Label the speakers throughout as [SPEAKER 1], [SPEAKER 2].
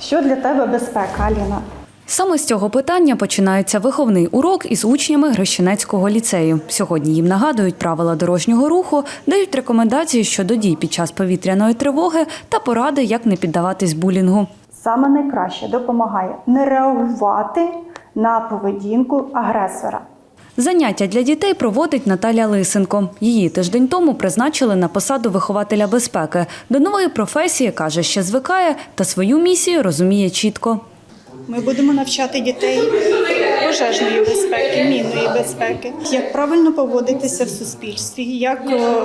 [SPEAKER 1] Що для тебе безпека, Аліна?
[SPEAKER 2] Саме з цього питання починається виховний урок із учнями Грещенецького ліцею. Сьогодні їм нагадують правила дорожнього руху, дають рекомендації щодо дій під час повітряної тривоги та поради, як не піддаватись булінгу.
[SPEAKER 1] Саме найкраще допомагає не реагувати на поведінку агресора.
[SPEAKER 2] Заняття для дітей проводить Наталя Лисенко. Її тиждень тому призначили на посаду вихователя безпеки. До нової професії, каже, ще звикає та свою місію розуміє чітко.
[SPEAKER 1] Ми будемо навчати дітей пожежної безпеки, мінної безпеки, як правильно поводитися в суспільстві, як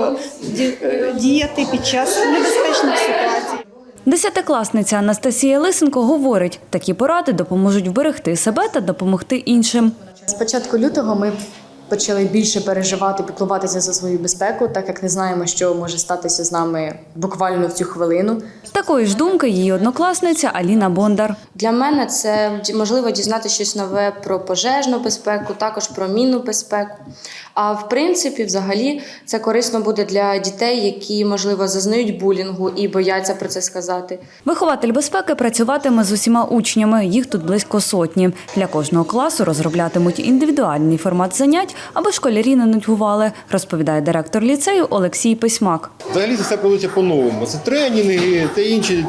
[SPEAKER 1] діяти під час небезпечних ситуацій.
[SPEAKER 2] Десятикласниця Анастасія Лисенко говорить, такі поради допоможуть вберегти себе та допомогти іншим.
[SPEAKER 3] З початку лютого ми почали більше переживати, піклуватися за свою безпеку, так як не знаємо, що може статися з нами буквально в цю хвилину.
[SPEAKER 2] Такої ж думки її однокласниця Аліна Бондар.
[SPEAKER 4] Для мене це можливо дізнати щось нове про пожежну безпеку, також про мінну безпеку. А в принципі, взагалі, це корисно буде для дітей, які, можливо, зазнають булінгу і бояться про це сказати.
[SPEAKER 2] Вихователь безпеки працюватиме з усіма учнями, їх тут близько сотні. Для кожного класу розроблятимуть індивідуальний формат занять, аби школярі не нудьгували, розповідає директор ліцею Олексій Письмак.
[SPEAKER 5] Взагалі це все проводиться по-новому. Це тренінги та інші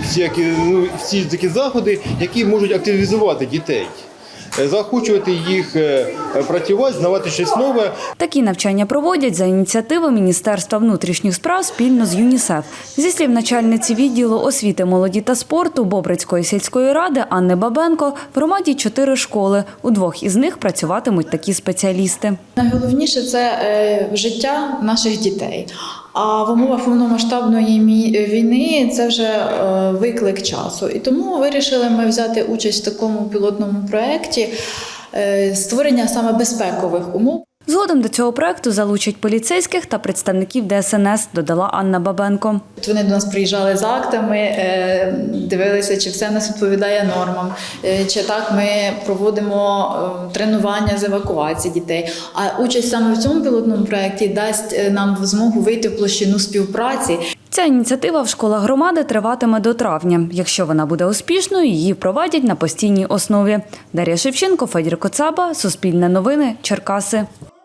[SPEAKER 5] всі такі заходи, які можуть активізувати дітей, заохочувати їх працювати, знавати щось нове.
[SPEAKER 2] Такі навчання проводять за ініціативи Міністерства внутрішніх справ спільно з ЮНІСЕФ. Зі слів начальниці відділу освіти, молоді та спорту Бобрицької сільської ради Анни Бабенко, в громаді 4 школи. У 2 із них працюватимуть такі спеціалісти.
[SPEAKER 6] Найголовніше – це життя наших дітей. А в умовах повномасштабної війни це вже виклик часу. І тому вирішили ми взяти участь в такому пілотному проєкті створення саме безпекових умов.
[SPEAKER 2] Згодом до цього проєкту залучать поліцейських та представників ДСНС, додала Анна Бабенко.
[SPEAKER 6] Вони до нас приїжджали з актами, дивилися, чи все в нас відповідає нормам, чи так ми проводимо тренування з евакуації дітей. А участь саме в цьому пілотному проєкті дасть нам змогу вийти в площину співпраці.
[SPEAKER 2] Ця ініціатива в школах громади триватиме до травня. Якщо вона буде успішною, її впровадять на постійній основі. Дар'я Шевченко, Федір Коцаба, Суспільне новини, Черкаси.